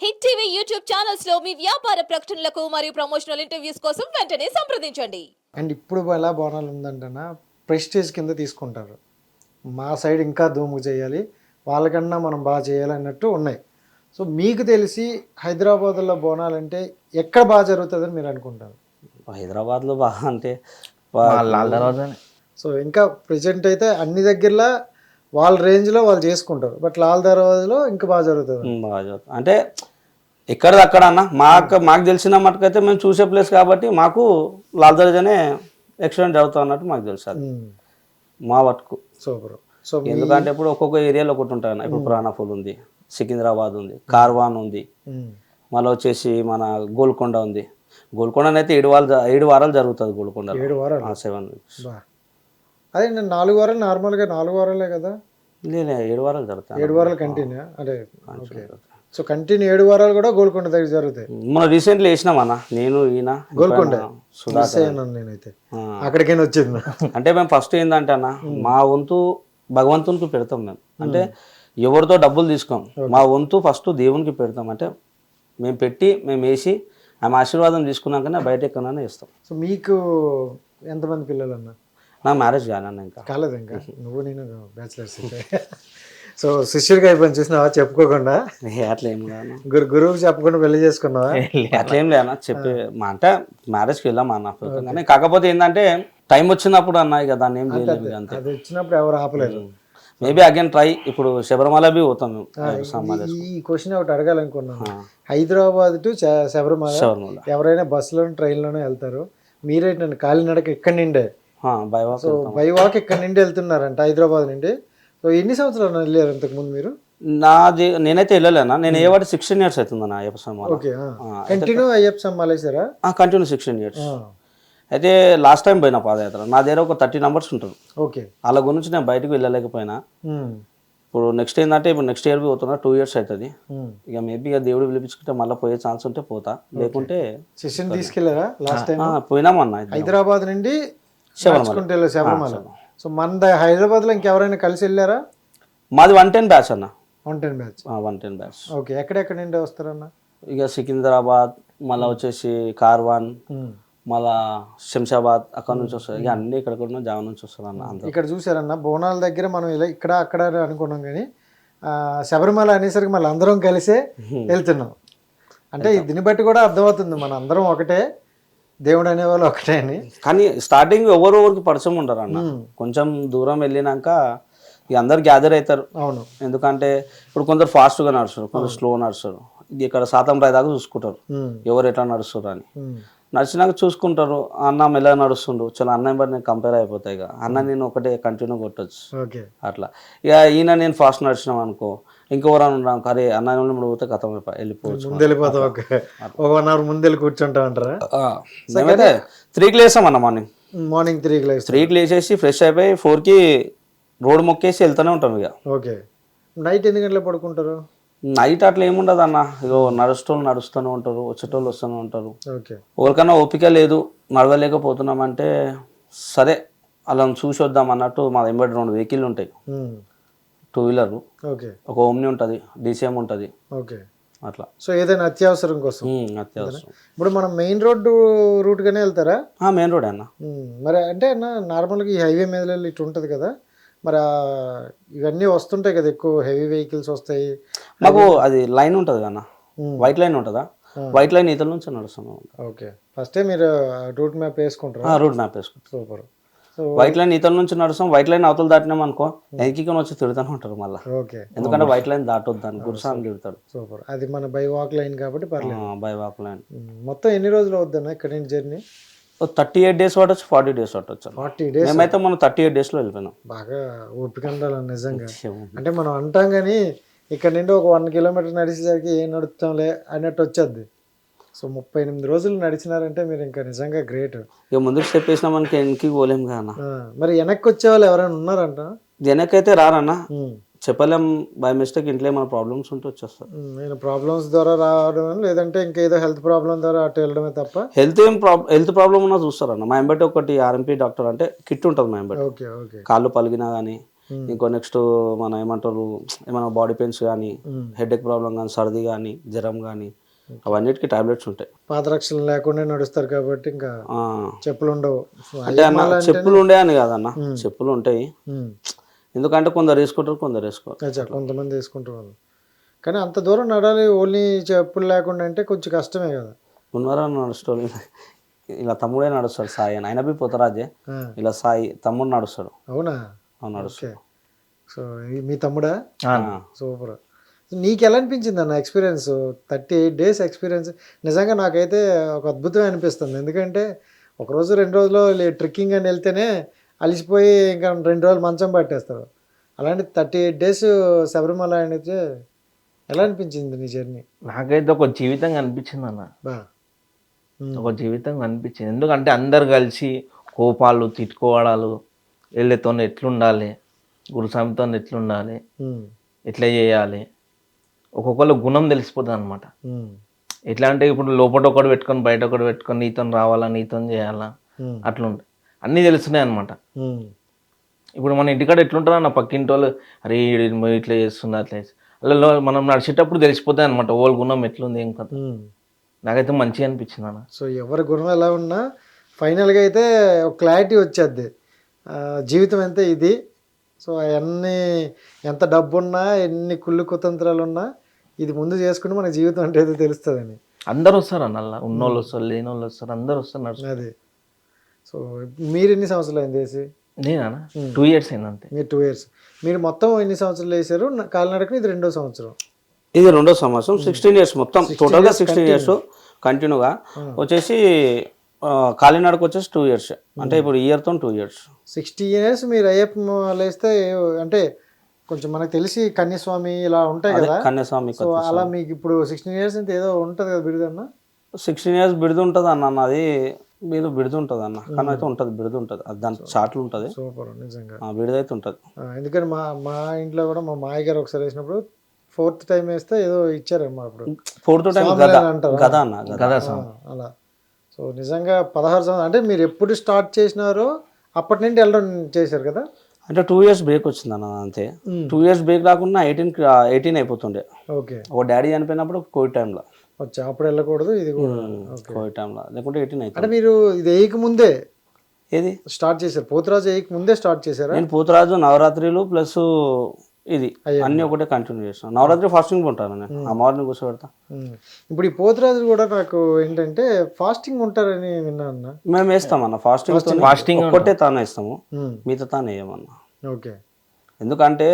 Hit TV YouTube channels లో మీ వ్యాపార ప్రకటనలకు మరియు ప్రమోషనల్ ఇంటర్వ్యూస్ కోసం వెంటనే సంప్రదించండి. అండ్ ఇప్పుడు ఎలా బోనాలు ఉందంటేనా ప్రెస్టేజ్ కింద తీసుకుంటారు. మా సైడ్ ఇంకా ధూము చేయాలి, వాళ్ళకన్నా మనం బాగా చేయాలి అన్నట్టు ఉన్నాయి. సో మీకు తెలిసి హైదరాబాద్లో బోనాలు అంటే ఎక్కడ బాగా జరుగుతుందని మీరు అనుకుంటారు? హైదరాబాద్లో బాగా అంటే సో ఇంకా ప్రజెంట్ అయితే అన్ని దగ్గరలో వాళ్ళ రేంజ్లో వాళ్ళు చేసుకుంటారు, బట్ లాల్ దర్వాజలో ఇంకా బాగా జరుగుతుంది. బాగా జరుగుతుంది అంటే ఎక్కడిది అక్కడ అన్న మాకు తెలిసిన మటుకైతే మేము చూసే ప్లేస్ కాబట్టి మాకు లాల్ దర్వాజానే ఎక్స్టెండ్ అవుతా అన్నట్టు మాకు తెలుసు అది మా వర్క్. సూపర్. సో ఎందుకంటే ఇప్పుడు ఒక్కొక్క ఏరియాలో ఒకటి ఉంటాయి అన్న. ఇప్పుడు ప్రాణఫుల్ ఉంది, సికింద్రాబాద్ ఉంది, కార్వాన్ ఉంది, మళ్ళీ వచ్చేసి మన గోల్కొండ ఉంది. గోల్కొండ అయితే 7 వారాలు జరుగుతుంది. గోల్కొండ 7 వారాలు 7 weeks. అదే నేను 4 వారాలు నార్మల్గా 4 వారాలే కదా. లేదు 7 వారాలు జరుగుతాయి. 7 వారాలు కంటిన్యూ అంటే ఓకే. సో కంటిన్యూ 7 వారాలు కూడా గోల్కొండ దగ్గర జరుగుతాయి. మనం రీసెంట్లీ వేసినామన్నా నేను ఈయన గోల్కొండ సుధాకర్. నేనైతే అక్కడికైనా వచ్చింది. అంటే మేము ఫస్ట్ ఏంటంటే అన్న మా వంతు భగవంతునికి పెడతాం మేము. అంటే ఎవరితో డబ్బులు తీసుకోం, మా వంతు ఫస్ట్ దేవునికి పెడతాం. అంటే మేము పెట్టి మేము వేసి ఆమె ఆశీర్వాదం తీసుకున్నాకనే బయట ఎక్కడైనా వేస్తాం. సో మీకు ఎంతమంది పిల్లలు అన్న? నా మ్యారేజ్ కానన్న ఇంకా కాలేదు. ఇంకా నువ్వు నేను బ్యాచిలర్స్. సో శిష్యుడికి అయిపోయింది చూసినావా చెప్పుకోకుండా? అట్లా ఏం కాదు, గురువుకి చెప్పకుండా పెళ్లి చేసుకున్నావా? అట్లా ఏం లేదన్న చెప్పి మా అంటే మ్యారేజ్కి వెళ్ళాం అన్న. కానీ కాకపోతే ఏంటంటే టైం వచ్చినప్పుడు అన్న ఇక దాన్ని ఏం చేయలేదు అంతే. అది వచ్చినప్పుడు ఎవరు ఆపలేరు. Maybe again try. ఇప్పుడు శబరిమల బి పోతాం మేము. ఈ క్వశ్చన్ ఒకటి అడగాలనుకున్నాను. హైదరాబాద్ టు శబరిమల ఎవరైనా బస్సులోనూ ట్రైన్లోనూ వెళ్తారు, మీరేంటండి కాలినడక ఇక్కడి నుండే సో బై వాక్ ఇక్కడ నుండి వెళ్తున్నారంట హైదరాబాద్ నుండి. సో ఎన్ని సంవత్సరాలు వెళ్ళారు ఇంతకు ముందు మీరు? నేనైతే వెళ్ళలేనా. నేను ఏ వాటి 16 years అవుతుందన్న అయ్యప్ప స్వామి. ఓకే. కంటిన్యూ అయ్యప్ప స్వామి మాలేసారా? Continue 16 years. అయితే లాస్ట్ టైం పోయినా పాదయాత్ర నా దగ్గర ఒక 30 numbers ఉంటారు. ఓకే. వాళ్ళ గురించి నేను బయటకు వెళ్ళలేకపోయినా. ఇప్పుడు నెక్స్ట్ ఏంటంటే ఇప్పుడు నెక్స్ట్ ఇయర్ పోతున్నా 2 years అవుతుంది. ఇక మేబీ ఇక దేవుడు పిలిపించుకుంటే మళ్ళీ పోయే ఛాన్స్ ఉంటే పోతా, లేకుంటే శిష్యుని తీసుకెళ్లారా లాస్ట్ టైం? పోయినామన్నా హైదరాబాద్ నుండి శబరిమల. సో మన హైదరాబాద్ లో ఇంకెవరైనా కలిసి వెళ్ళారా? మాది 110 బ్యాచ్ అన్న. 110 బ్యాచ్. 110 బ్యాచ్. ఓకే. ఎక్కడెక్కడ నుండి వస్తారన్న? ఇక సికింద్రాబాద్, మళ్ళీ వచ్చేసి కార్వాన్, మళ్ళా శంషాబాద్ అక్కడ నుంచి వస్తారు. ఇక అన్ని ఇక్కడ జావ నుంచి వస్తారు అన్న. ఇక్కడ చూసారన్న బోనాల దగ్గర మనం ఇలా ఇక్కడ అక్కడ అనుకున్నాం, కానీ శబరిమల అనేసరికి మళ్ళీ అందరం కలిసే వెళ్తున్నాం. అంటే దీన్ని బట్టి కూడా అర్థమవుతుంది మన అందరం ఒకటే, దేవుడు అనేవాళ్ళు ఒకటే అని. కానీ స్టార్టింగ్ ఎవరికి పరిచయం ఉండరు అన్న. కొంచెం దూరం వెళ్ళినాక ఇక అందరు గ్యాదర్ అవుతారు. అవును. ఎందుకంటే ఇప్పుడు కొందరు ఫాస్ట్గా నడుస్తారు, కొందరు స్లో నడుస్తారు. ఇక్కడ శాతం రాయి దాకా చూసుకుంటారు ఎవరు ఎట్లా నడుస్తారు అని. నడిచినాక చూసుకుంటారు అన్న మెల్లగా నడుస్తుండు, చాలా అన్న బట్టి నేను కంపేర్ అయిపోతాయి. ఇక అన్న నేను ఒకటే కంటిన్యూ కొట్టచ్చు అట్లా. ఇక ఈయన నేను ఫాస్ట్ నడిచినాం అనుకో, ఇంకెవరైనా ఉన్నాం అరే అన్న పోతే కథం వెళ్ళిపోవచ్చు, ముందు వెళ్ళిపోతాం. ఒక 1 hour ముందు వెళ్ళి కూర్చుంటాం అంటారా? మేమైతే 3కి లేసాం అన్న. మార్నింగ్ 3కి లేచేసి ఫ్రెష్ అయిపోయి 4కి రోడ్ మొక్కేసి వెళ్తూనే ఉంటాం ఇక. ఓకే. నైట్ ఎన్ని గంటలకు పడుకుంటారు? నైట్ అట్లా ఏముండదు అన్న. ఇగో నడుస్తూనే ఉంటారు, వచ్చేటోళ్ళు వస్తూనే ఉంటారు. ఎవరికైనా ఓపిక లేదు నడవలేకపోతున్నామంటే సరే అలా చూసి వద్దాం అన్నట్టు మా వెంబడి 2 వెహికల్ ఉంటాయి. 2 వీలర్, ఒక ఓమ్ని ఉంటుంది, DCM ఉంటుంది అట్లా. సో ఏదైనా అత్యవసరం కోసం అత్యవసరం. ఇప్పుడు మనం మెయిన్ రోడ్డు రూట్ గానే వెళ్తారా? మెయిన్ రోడ్ అన్న. మరి అంటే అన్న నార్మల్గా ఈ హైవే మీద ఇటు ఉంటుంది కదా, మరి ఇవన్నీ వస్తుంటాయి కదా, ఎక్కువ హెవీ వెహికల్స్ వస్తాయి. మాకు అది లైన్ ఉంటుంది అన్న, వైట్ లైన్ ఉంటుందా, వైట్ లైన్ ఇతల నుంచి నడుస్తున్నాం. ఓకే. ఫస్టే మీరు రూట్ మ్యాప్ వేసుకుంటారు? రూట్ మ్యాప్ వేసుకుంటారు. సూపర్. వైట్ లైన్ ఇతల నుంచి నడుస్తాం, వైట్ లైన్ అవతలు దాటినాం అనుకో ఎన్నికని వచ్చి తిడుతూనే ఉంటారు మళ్ళీ. ఓకే. ఎందుకంటే వైట్ లైన్ దాటొద్దు అని గురుసాన్ని తిడతాడు. సూపర్. అది మన బై వాక్ లైన్ కాబట్టి పర్లేదు. By walk line. మొత్తం ఎన్ని రోజులు అవుద్దన్న ఇక్కడ నుంచి జర్నీ? 38 days పట్టచ్చు, 40 days పట్టచ్చు. 40 days. మేమైతే మనం 38 daysలో వెళ్ళిపోయినాం. బాగా ఓపిక ఉండాలి నిజంగా. అంటే మనం అంటాం కానీ ఇక్కడ నుండి ఒక 1 kilometer నడిచేసరికి ఏం నడుపుతాంలే అన్నట్టు వచ్చేది. సో 38 రోజులు నడిచినారంటే మీరు ఇంకా నిజంగా గ్రేట్. ఇక ముందుకు స్టెప్ వేసినా మనకి వెనక్కి పోలేం కదా. మరి వెనక్కి వచ్చే వాళ్ళు ఎవరైనా ఉన్నారంట? వెనకైతే రారన్నా, చెప్పలేం. బై మిస్టేక్ ఇంట్లో ఏమైనా ప్రాబ్లమ్స్ ఉంటే వచ్చేస్తారు. నేను ప్రాబ్లమ్స్ ద్వారా రావడం లేదంటే ఇంకేదో హెల్త్ ప్రాబ్లం ద్వారా అటు వెళ్ళడమే తప్ప. హెల్త్ ప్రాబ్లం ఉన్నా చూస్తారన్న. మా ఎంబటి ఒకటి RMP డాక్టర్ అంటే కిట్ ఉంటుంది మా ఎంబటి. కాళ్ళు పలిగినా కానీ ఇంకో నెక్స్ట్ మన ఏమంటారు ఏమైనా బాడీ పెయిన్స్ కానీ హెడేక్ ప్రాబ్లం కానీ సర్ది కానీ జ్వరం కానీ అవన్నిటికీ టాబ్లెట్స్ ఉంటాయి. పాదరక్షలు లేకుండా నడుస్తారు కాబట్టి ఇంకా చెప్పులు ఉండవు. అంటే అన్న చెప్పులు ఉండే అని కాదన్న, చెప్పులు ఉంటాయి. ఎందుకంటే కొందరు వేసుకుంటారు, కొందరు వేసుకోవాలి. కొంతమంది వేసుకుంటారు వాళ్ళు. కానీ అంత దూరం నడాలి ఓన్లీ చెప్పులు లేకుండా అంటే కొంచెం కష్టమే కదా. ఉన్నారా నడుస్తాడు, ఇలా తమ్ముడే నడుస్తాడు సాయి అని, ఆయన పోతరాజే ఇలా సాయి తమ్ముడు నడుస్తాడు. అవునా? నడుస్తాడు. సో మీ తమ్ముడా? సూపర్. నీకు ఎలా అనిపించింది అన్న ఎక్స్పీరియన్స్? 38 days ఎక్స్పీరియన్స్ నిజంగా నాకైతే ఒక అద్భుతమే అనిపిస్తుంది. ఎందుకంటే ఒకరోజు 2 రోజులు ట్రెక్కింగ్ అని వెళ్తేనే అలిసిపోయి ఇంకా 2 రోజులు మంచం పట్టేస్తారు. అలాంటి 38 days శబరిమల అయితే ఎలా అనిపించింది నీ జర్నీ? నాకైతే ఒక జీవితంగా అనిపించింది అన్న, ఒక జీవితంగా అనిపించింది. ఎందుకంటే అందరు కలిసి కోపాలు తిట్టుకోవడాలు, వీళ్ళతో ఎట్లుండాలి, గురుస్వామితో ఎట్లుండాలి, ఎట్లా చేయాలి, ఒక్కొక్కరు గుణం తెలిసిపోతుంది అనమాట. ఎట్లా అంటే ఇప్పుడు లోపల ఒకటి పెట్టుకొని బయట ఒకటి పెట్టుకొని నీతో రావాలా, నీతో చేయాలా, అట్లుంటాయి. అన్నీ తెలుస్తున్నాయి అనమాట. ఇప్పుడు మన ఇంటికాడ ఎట్లుంటారా నా పక్కింటి వాళ్ళు, అరే ఇట్లా చేస్తున్నా అట్లా చేసి అలా మనం నడిచేటప్పుడు తెలిసిపోతాయి అనమాట వాళ్ళ గుణం ఎట్లుంది ఏం కదా. నాకైతే మంచిగా అనిపించింది అన్న. సో ఎవరి గుణం ఎలా ఉన్నా ఫైనల్గా అయితే ఒక క్లారిటీ వచ్చేది, జీవితం ఎంత ఇది. సో అవన్నీ ఎంత డబ్బు ఉన్నా ఎన్ని కుళ్ళు కుతంత్రాలు ఉన్నా ఇది ముందు చేసుకుంటే మన జీవితం అంటే ఏదో తెలుస్తుందని. అందరు వస్తారు అన్న, ఉన్నోళ్ళు వస్తారు, లేని వాళ్ళు వస్తారు, అందరు వస్తారు. అది. సో మీరు ఎన్ని సంవత్సరాలు అయింది వేసి? నేనా 2 years అయింది అంతే. మీరు 2 years. మీరు మొత్తం ఎన్ని సంవత్సరాలు వేసారు కాలినడకని? ఇది 2వ సంవత్సరం. ఇది 2వ సంవత్సరం. 16 years మొత్తం టోటల్గా 16 years కంటిన్యూగా వచ్చేసి కాలినడక వచ్చేసి 2 years. అంటే ఇప్పుడు ఇయర్తో 2 years. 60 years మీరు అయ్యప్ప లేస్తే అంటే కొంచెం మనకు తెలిసి కన్యస్వామి ఇలా ఉంటాయి కదా, కన్యస్వామి. సో అలా మీకు ఇప్పుడు 16 years అంటే ఏదో ఉంటుంది కదా బిరుదన్న? 16 years బిరుదు ఉంటుంది అన్న. అది మీరు బిరుదు ఉంటుంది అన్న, కానీ అయితే ఉంటుంది బిరుదు ఉంటుంది, అది దాని చాట్లు ఉంటుంది. సూపర్ నిజంగా బిరుదు అయితే ఉంటుంది. ఎందుకంటే మా ఇంట్లో కూడా మా మాయ గారు ఒకసారి వేసినప్పుడు 4th time వేస్తే ఏదో ఇచ్చారమ్మా. అప్పుడు 4th time అంటారు కదా అన్న, అలా. సో నిజంగా 16 సంవత్సరాలు అంటే మీరు ఎప్పుడు స్టార్ట్ చేసినారో అప్పటి నుండి వెళ్ళడం చేశారు కదా. అంటే 2 years బ్రేక్ వచ్చింది అన్న అంతే. 2 years బ్రేక్ రాకుండా 18 అయిపోతుండే. ఓకే. ఒక డాడీ చనిపోయినప్పుడు కోవిడ్ టైంలో వచ్చా, అప్పుడు వెళ్ళకూడదు, ఇది కూడా కోవిడ్ టైంలో, లేకుంటే 18 అయితే. అంటే మీరు ఇది వేయక ముందే ఏది స్టార్ట్ చేశారు? పోతురాజు వేయక ముందే స్టార్ట్ చేశారా? నేను పోతురాజు నవరాత్రులు ప్లస్ ఇది అన్ని ఒకటే కంటిన్యూ చేస్తాను. నవరాత్రి ఫాస్టింగ్ ఉంటాను నేను, అమ్మవారిని కూర్చోబెడతా. ఇప్పుడు ఈ పోతురాజు కూడా నాకు ఏంటంటే ఫాస్టింగ్ ఉంటారని విన్నాను. మేము వేస్తామన్న ఫాస్టింగ్ ఒక్కటే తాను వేస్తాము, మిగతా తాను వేయమన్నా. ఓకే. ఎందుకంటే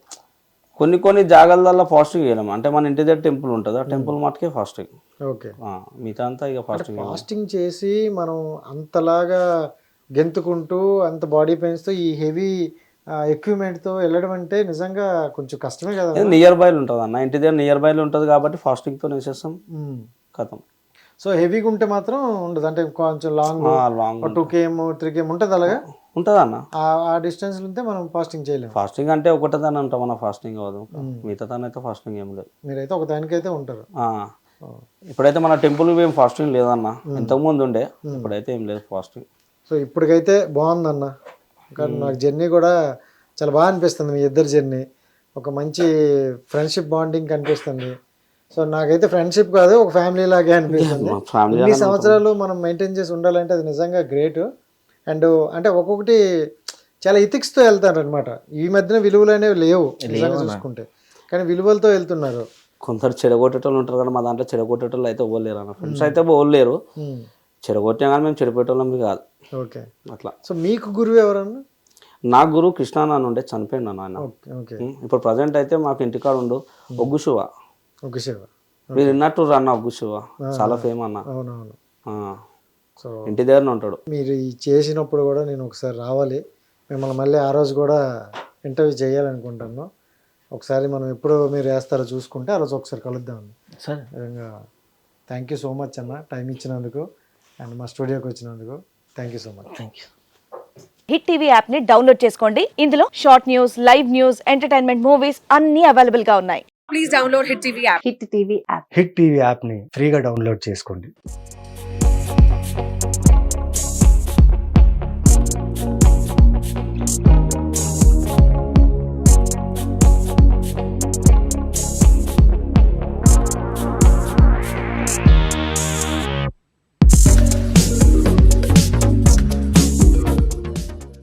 కొన్ని జాగాలలో ఫాస్టింగ్ చేయలేం. అంటే మన ఇంటి దగ్గర టెంపుల్ ఉంటుంది, ఆ టెంపుల్ మటుకే ఫాస్టింగ్. ఓకే. మిగతా అంతా ఇక ఫాస్టింగ్ చేసి మనం అంతలాగా గెంతుకుంటూ అంత బాడీ పెయిన్స్తో ఈ హెవీ ఎక్విప్మెంట్తో వెళ్ళడం అంటే నిజంగా కొంచెం కష్టమే కదా. నియర్ బైలు ఉంటుంది అన్న, ఇంటి దగ్గర నియర్ బైలు ఉంటుంది కాబట్టి ఫాస్టింగ్తో వేసేస్తాం, కథం. సో హెవీగా ఉంటే మాత్రం ఉండదు, అంటే కొంచెం లాంగ్ 2 km 3 km ఉంటుంది, అలాగా ఉంటుంది అన్న. ఆ డిస్టెన్స్ ఉంటే మనం ఫాస్టింగ్ చేయలేము. ఫాస్టింగ్ అంటే ఒకటే దాని ఉంటాం మన ఫాస్టింగ్ అవ్వదు, మిగతా దాని అయితే ఫాస్టింగ్ ఏం లేదు. మీరైతే ఒక దానికైతే ఉంటారు. ఇప్పుడైతే మన టెంపుల్ ఏం ఫాస్టింగ్ లేదన్న, ఇంతకుముందు ఉండే, ఇప్పుడైతే ఏం లేదు ఫాస్టింగ్. సో ఇప్పటికైతే బాగుందన్న, కానీ నాకు జర్నీ కూడా చాలా బాగా అనిపిస్తుంది. మీ ఇద్దరు జర్నీ ఒక మంచి ఫ్రెండ్షిప్ బాండింగ్ కనిపిస్తుంది. సో నాకైతే ఫ్రెండ్షిప్ కాదు, ఒక ఫ్యామిలీ లాగే అనిపిస్తుంది. ఇన్ని సంవత్సరాలు మనం మెయింటైన్ చేసి ఉండాలంటే అది నిజంగా గ్రేట్. అండ్ అంటే ఒక్కొక్కటి చాలా ఇథిక్స్తో వెళ్తారు అనమాట. ఈ మధ్యన విలువలు అనేవి లేవు నిజంగా చూసుకుంటే, కానీ విలువలతో వెళ్తున్నారు. కొందరు చెడగొట్టేటోళ్ళు ఉంటారు కదా, మా దాంట్లో చెడగొట్టేటోళ్ళు అయితే ఓలేరు అన్న. ఫ్రెండ్స్ అయితే ఓలేరు, చెడగొట్టినా కానీ మేము చెడిపోయేటోళ్ళం కాదు. ఓకే. అట్లా. సో మీకు గురువు ఎవరన్నా? నా గురువు కృష్ణ నాన్న ఉండే, చనిపోయిండు అన్న ఆయన. ఇప్పుడు ప్రజెంట్ అయితే మాకు ఇంటికాడ ఉండు ఒగ్గు శివ. మీరు విన్నట్టు అన్న ఒగ్గు శివ చాలా ఫేమ్ అన్న. అవునవును. సో ఇంటి దగ్గరనే ఉంటాడు. మీరు చేసినప్పుడు కూడా నేను ఒకసారి రావాలి, మిమ్మల్ని మళ్ళీ ఆ రోజు కూడా ఇంటర్వ్యూ చేయాలనుకుంటాను. ఒకసారి మనం ఎప్పుడు మీరు వేస్తారో చూసుకుంటే ఆ రోజు ఒకసారి కలుద్దాం. సరే. నిజంగా థ్యాంక్ యూ సో మచ్ అన్న, టైం ఇచ్చినందుకు అండ్ మా స్టూడియోకి వచ్చినందుకు thank you so much. Thank you. Hit TV app ని డౌన్లోడ్ చేసుకోండి. ఇందులో short news, live news, entertainment movies అన్ని అవైలబుల్ గా ఉన్నాయి. Please download hit TV app. Hit TV app ని ఫ్రీగా డౌన్లోడ్ చేసుకోండి.